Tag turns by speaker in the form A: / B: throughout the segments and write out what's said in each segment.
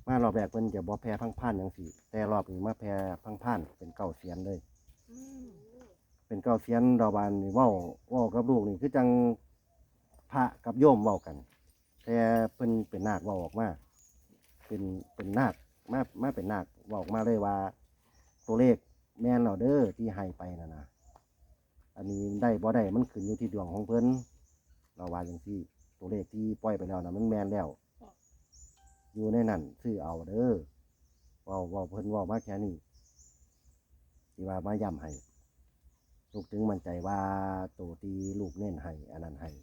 A: มารอบแรกเพิ่นจะบ่แพ้พังพ่านจังซี่แต่รอบนี้มาแพ้พังพ่านเป็นเก้าเสียนเลยเป็นเก้าเสียนดอกบานนี่เว้ากับลูกนี่คือจังพระกับโยมเว้ากันแต่เพิ่นเป็นนาคเว้าออกมาเป็นนาคมาเป็นนาคเว้าออกมาเลยว่าตัวเลขแม่นแล้วเด้อที่ให้ไปน่ะนะอันนี้ได้บ่ได้มันขึ้นอยู่ที่ดวงของเพิ่นเราว่าจังซี่ตัวเลขที่ปล่อยไปแล้วน่ะมันแม่นแล้วอยู่ในนั้นซื้อเอาเด้อเว้าเพิ่นเว้ามาแค่นี้ที่ว่ามาย้ำให้ลูกถึงมั่นใจว่าตัวที่ลูกเน้นให้อันนั้นให้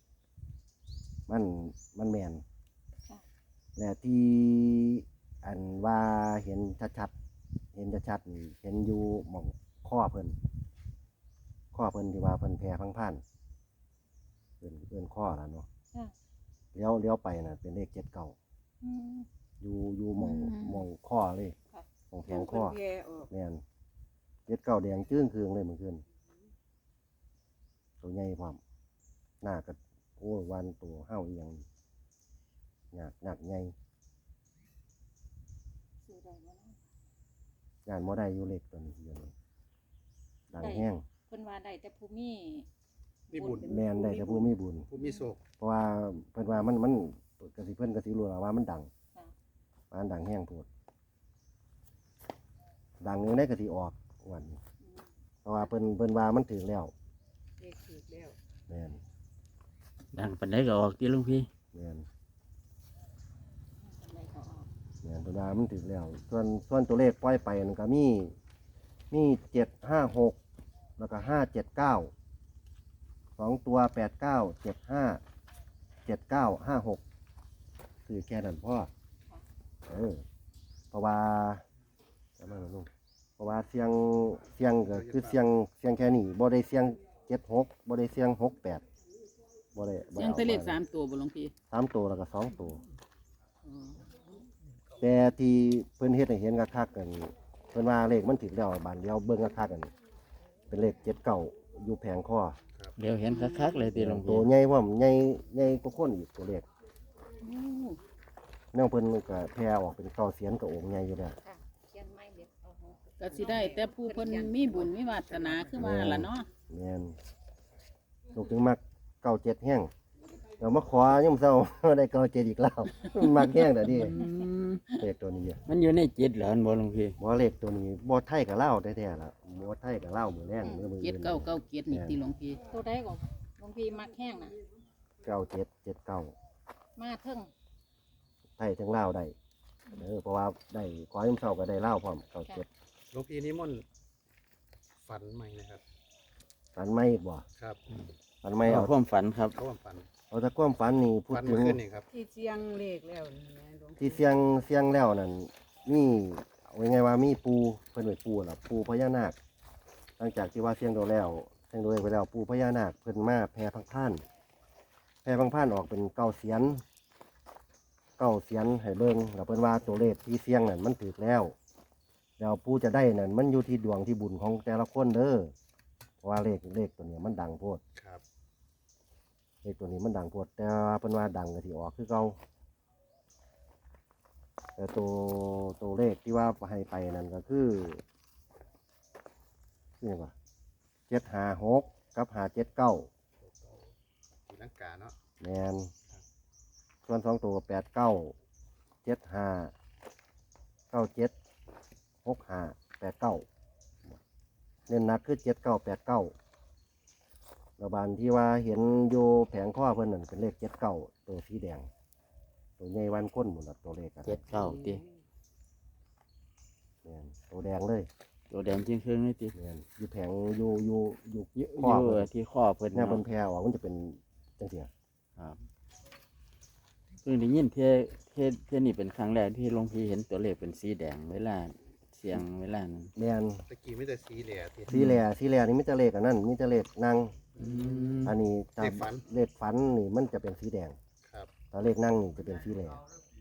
A: มันแม่นและที่อันว่าเห็นชัดๆนี่เห็นอยู่หม่องข้อเพิ่นที่ว่าเพิ่นแพ้พังพ่านเพิ่นข้อแล้วเนาะเลี้ยวไปน่ะเป็นเลข7 เก้าอยู่หม่องข้อเลยหม่องแขนข้อแม่น7 เก้าแดงจึ้งคืองเลยเมื่อคืนตัวใหญ่พร้อมหน้าก็โอ้วันตัวเห่าอีหยังหนักใหญ่งานบ่ได้อยู่เล็กตัวนี้เดี๋ยวนี้ดังแห้ง
B: เพิ่นว่าได้แต่ภูมิ
C: มีบุญ
A: แม่นได้แต่ผู้มีบุญ
C: ผู้มีโศก
A: เพราะว่าเพิ่นว่ามันกสิเพิ่นกสิรู้แล้วว่ามันดัง
B: ค่ะ
A: มันดังแห้งโพดดังอยู่ในกสิออกวันนี้เพราะว่าเพิ่นว่ามันถึงแล้ว
D: เลขถูกแล้ว
A: แม่น
E: ดังปานใดก็ออกที่หลวงพี่
A: แม่น
B: อะไรก็ออก
A: แม่นเพิ่นว่ามันถึงแล้วส่วนตัวเลขปล่อยไปนั่นก็มี756แล้วก็579 2ตัว89 75 79 56คือแค่นั้นพ่อเพราะว่าจะมาลูกเพราะว่าเสียงก็คือเสียงแค่นี้บ่ได้เสียง76บ่ได้เสียง68บ่ได้
D: เสียงแตะเลข3ตัวบ่หลวงพี่
A: 3ตัวแล้วก็2ตัว
D: อ๋อ
A: แต่ที่เพิ่นเฮ็ดให้เห็นคักๆกันเพิ่นว่าเลขมันถึงแล้วบานเดียวเบิ่งคักๆกันเป็นเลข7 เก้าอยู่แผงคอ
E: เดี๋ยวเห็นคักๆเลยที่หลวง
A: ตั
E: พี่
A: วใหญ่ว่ามันใหญ่กว่าคนอีกตัวเลข
D: โอ้
A: แนวเพิ่นก็แผ่ออกเป็นเก้าเสียนกับองค์ใหญ่อยู่แล้ว
B: ค่ะเขียนไม่เด็ดเอาหัว
D: ก็สิได้ แต่ผู้เพิ่นมีบุญมีวาสนาคือว่าล่ะเนาะ
A: แม่นลูกถึงมักเก้าเจ็ดแห้งเดี๋ยวมาขอยามเช้า ได้เก้าเจ็ดอีกแล้ว มักแห้งแต่ดิ
E: อืม
A: เลขตัวนี้อะ
E: มันอยู่ในจิตเหรออันบ่หลวงพี่
A: บ่เลขตัวนี้บ่ไทยกับลาวแท้ๆล่ะบ่ไทยกับลาวมื้อแรงมื้อ
D: เจ็ดเก้าเก้าเจ็ดนี่ติหลวงพี่
B: ตัวใดก็หลวงพี่มักแห้งน่ะ
A: 9779
B: มาเทิง
A: ไทยทั้งลาวได้เพราะว่าได้ขอยามเช้าก็ได้ลาวพร้อมเก้าเจ็ด
C: หลวงพี่นิมนต์ฝันใหม่นะครับ
A: ฝันไม่อีกบ่
C: ครับ
A: ฝันไม่
E: เอา
A: เอา
E: ความฝันครับ
C: เขาว่าฝัน
A: เอาแต่ความฝันนี่พูด
C: ฝัน
A: ถึ
C: เมื่อง คืนนี่ครับ
D: ที่เสียงเลขแล้วนี่แหละหลวง
A: ที่เสียงแล้วนั่นมีเอาไงว่ามีปูเพิ่นไว้ปูล่ะปูพญานาคหลังจากที่ว่าเสียงโดแล้วเสียงโดไปแล้วปูพญานาคเพิ่นมาแผ่พังพ่านออกเป็นเก้าเสียนให้เบิ่งแล้วเพิ่นว่าตัวเลขที่เสียงนั่นมันถูกแล้วปูจะได้นั่นมันอยู่ที่ดวงที่บุญของแต่ละคนเด้อเพราะว่าเลขตัวนี้มันดังโพด
C: ครับ
A: เลขตัวนี้มันดังโพดแต่ว่าเพิ่นว่าดังก็สิออกคือเก่าแต่ตัวเลขที่ว่าให้ไปนั่นก็คือนี่ว่า756กับ579
C: สีลังกาเนาะ
A: แมนส่วน2ตัว89 75 97 65 89เน้นหนักคือ79 89ระบานที่ว่าเห็นอยู่แผงข้อเพิ่นนั่นเป็นเลข79ตัวสีแดงตัวใหญ่วันก้นหมดละตัวเลขกัน
E: 79ติ
A: แม่นตัวแดงเลย
E: ตัวแดงจริงครึ่งเลยติ
A: แม่นอยู่แผงอยู่
E: อยู่
A: ข้อเพิ่น
E: ที่ข้อเพิ่น
A: เนี่ย
E: เนาะ
A: เพิ่นแผ่ออกมันจะเป็นจังซี่
E: ครับเพิ่งได้ยินเที่ยนี่เป็นครั้งแรกที่หลวงพี่เห็นตัวเลขเป็นสีแดงเวลาเสียงเวลานั้น
A: แม่น
C: ตะกี้ไม่แต่สีเหลี่ยที่
A: สีแหล่นี่มีแต่เลขอันนั้นมีแต่เลขนาง
E: อืม
A: อันนี้
C: เลขฝัน
A: เลขฝันนี่มันจะเป็นสีแดง
C: ครับ
A: ถ้าเลขนั่งนี่จะเป็นสีแหล่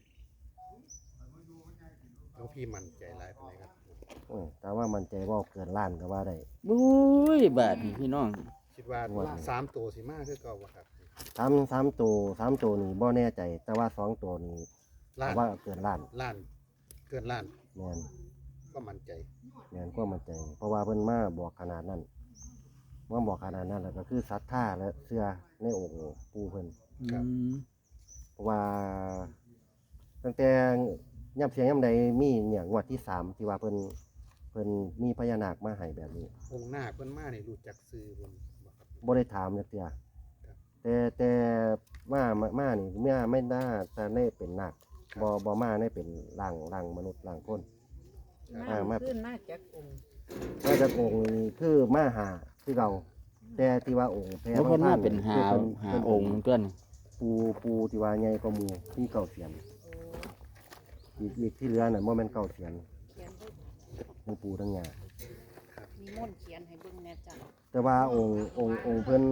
C: หลวงพี่มั่นใจหลายปานใดครับ
A: แต่ว่ามันใจว่าเกินล้านก็ว่าได้
E: บุ้ยบาดนี่พี่น้อง
C: คิดว่า
A: งวดนี้
C: 3ตัวสิมาคือเก่าบ่ครับ
A: สามตัวนี่บ่แน่ใจ แต่ว่า2ตัวนี่
C: ล้าน
A: ว่าเกินล้าน
C: ล้านเกินล้าน
A: แม่น
C: ก็มั่นใจ
A: แม่นความมั่นใจ เพราะว่าเพิ่นมาบอกขนาดนั้นมาบอกขนาดนั้นแล้วก็คือศรัทธาและเชื่อในองค์ปู่เพิ่น
C: ครับ
A: เพราะว่าตั้งแต่ย่ำเสียงย่ำใดมีเนี่ยงวดที่3ที่ว่าเพิ่นมีพญานาคมาให้แบบนี้
C: องค์นาคเพิ่นมานี่รู้จักซื้อเพิ่นบ่ครับ
A: บ่ได้ถามจักเทื่อ
C: ครับ
A: แต่มานี่เมื่อไม่น่าจะได้เป็นนาคบ่มาได้เป็นร่างมนุษย์ร่างคน มา
D: ขึ้นมาจากองค์
A: มาจากองค์นี่คือมาหาคือเราแต่ที่ว่าองค์แพร
E: แล้วคนมาเป็น
A: คือ
E: หาองค์ตัวนี้
A: ปูที่ว่าใหญ่กว่าหมู่ที่เก่าเสียนอีกที่เหลือน่ะบ่แม่นเก่าเสียน
B: เขียนด้วย
A: ทั้งปูทั้งยา
B: มีมนต์เขียนให้เบิ่งแน่จ้ะ
A: แต่ว่าองค์เพิ่น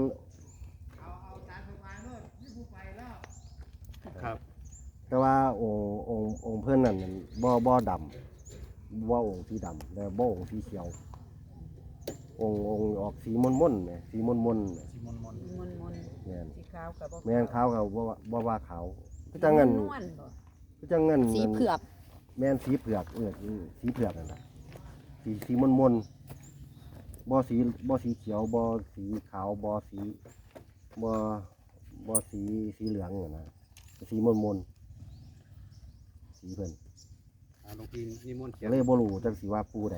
C: ครับ
A: แต่ว่าองค์เพิ่นนั่นบ่ดำบ่องค์สีดำแต่บ่องค์สีเขียวองค์ออกสีม่นๆแหมสีม่นๆแหม
C: สิมน
D: มนมน
A: แม่น
D: สีขาวกับ
A: แม่นขาวก็บ่ว่าขาวคือจังงั้น
D: นวลบ่
A: คือจังงั้น
B: สีเผือก
A: แม่นสีเผือกสีเผือกนั่นน่ะสีม่นๆบ่สีเขียวบ่สีขาวบ่สีสีเหลืองนั่นน่ะสีม่นๆสีเพิ่น
C: หลวงพี่นิมนต์เขีย
A: ก็
C: น
A: เลยบ่รู้จังสิว่าปูใด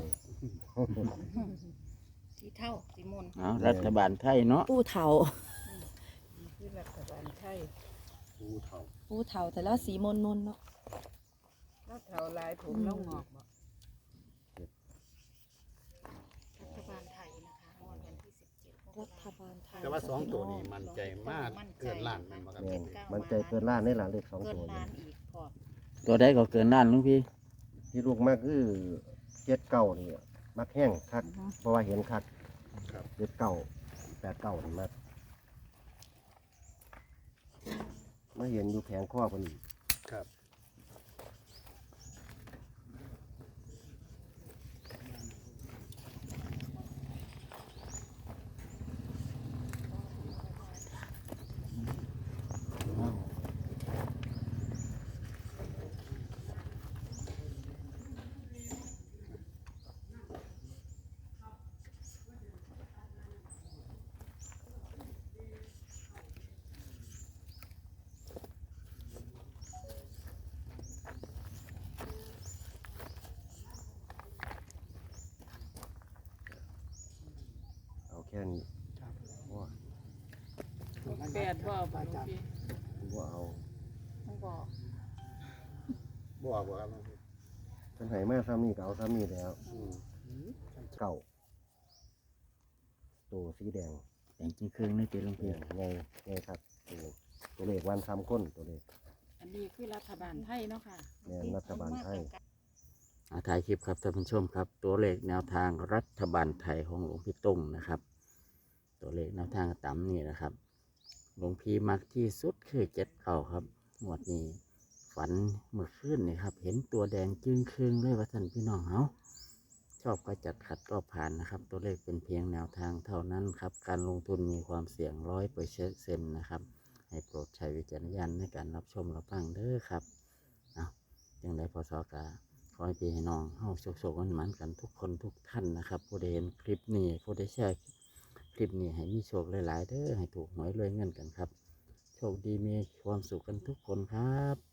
B: สีเท่าสีมนต์
E: เอารัฐบาลไทยเนาะ
F: ปูเถา
D: คือรัฐบาลไทย
C: ภูเฒ่า
F: ปูเถาแต่ละสีมนมนๆเนาะ
D: แล้วเถาลายผมแล้วงอกบ่
B: รัฐบาลไทยนะคะงวดวันที่17
F: รัฐบาลไทย
C: แต่ว่าสองตัวนี้มั่นใจมากเกินล้านแม่นบ่ครับ
A: แม่นมันใจเกินล้านได้ล่ะเลข2
B: เกิน
A: ตัว
B: ล้า
A: นี่
B: นอีกพอ
E: ตัวใดก็เกินล้านหลุงพี่
A: ที่ลูกมากคือ79นี่มักแห้งคักเพราะว่าเห็นคัก
C: ครับ
A: 79 89นี่มาเห็นอยู่แผงข้อเพิ่นอีก
C: ครับ
A: เอาแค่นี้ว่า
D: แปดบ่บ่หลวงพี่
A: ว่าเอา
B: ต้องบอก
C: บอกว่าครับหลวงพี่
A: เพิ่นให้มาซ้ำนี่ก็เอาซ้ำนี่แล้ว
C: อืม
A: เก่าตัวสีแดง
E: แต่งจริงครึ่งนี่ติหลวง
A: เนี่
E: พี่
A: ยไงครับตัวเลขวันซ้ำคนตัวเลข
D: อันนี้คือรัฐบาลไทยเนาะค่ะ
A: แม่นรัฐบาลไทย
E: ถ่ายคลิปครับท่านผู้ชมครับ ตัวเลขแนวทางรัฐบาลไทยของหลวงพี่ตุ้งนะครับ ตัวเลขแนวทางต่ำนี่นะครับหลวงพี่มักที่สุดคือ7 9ครับงวดนี้ฝันเมื่อคืนนี่ครับ เห็นตัวแดงจึงครึ่งเลยว่าท่านพี่น้องเฮาชอบก็จัดขัดก็ผ่านนะครับ ตัวเลขเป็นเพียงแนวทางเท่านั้นครับการลงทุนมีความเสี่ยง100%นะครับให้โปรดใช้วิจารณญาณในการรับชมรับฟังเด้อครับเอาจังไดพศกาขอให้พี่ให้น้องเฮาโชคๆมันๆกันทุกคนทุกท่านนะครับผู้ใดเห็นคลิปนี้ผู้ใดแชร์คลิปนี้ให้มีโชคหลายๆเด้อให้ถูกหวยรวยเงินกันครับโชคดีมีความสุขกันทุกคนครับ